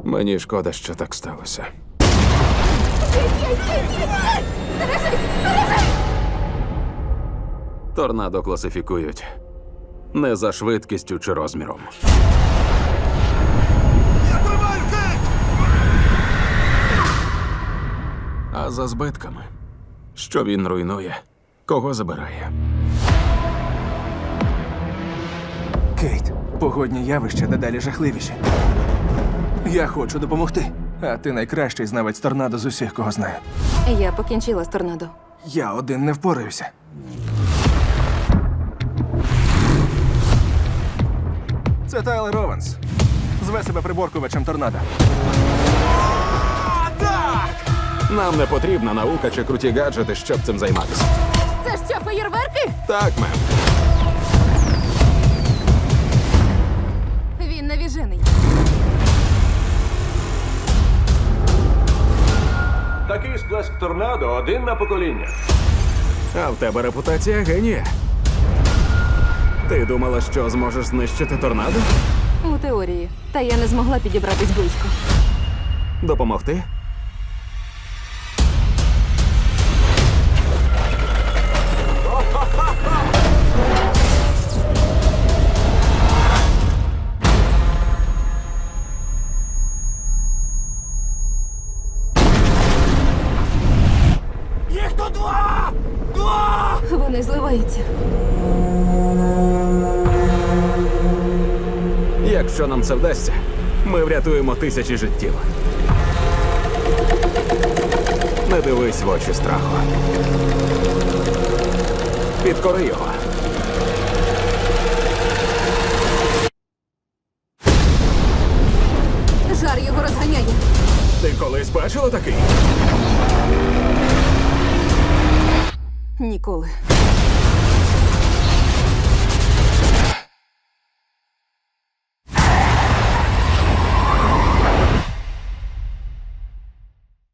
Мені шкода, що так сталося. Торнадо класифікують не за швидкістю чи розміром. Я тримаю, Кейт! А за збитками. Що він руйнує, кого забирає. Кейт, погодні явища дедалі жахливіші. Я хочу допомогти. А ти найкращий знавець торнадо з усіх, кого знаю. Я покінчила з торнадо. Я один не впораюся. Це Тайлер Ованс. Зве себе приборкувачем торнадо. Нам не потрібна наука чи круті гаджети, щоб цим займатися. Це що, феєрверки? Так, мем. Він навіжений. Такий сплеск торнадо один на покоління. А в тебе репутація генія. Ти думала, що зможеш знищити торнадо? У теорії. Та я не змогла підібратись близько. Допомогти? Їх тут два! Два! Вони зливаються. Якщо нам це вдасться, ми врятуємо тисячі життів. Не дивись в очі страху. Підкори його. Жар його розганяє. Ти колись бачила такий? Ніколи.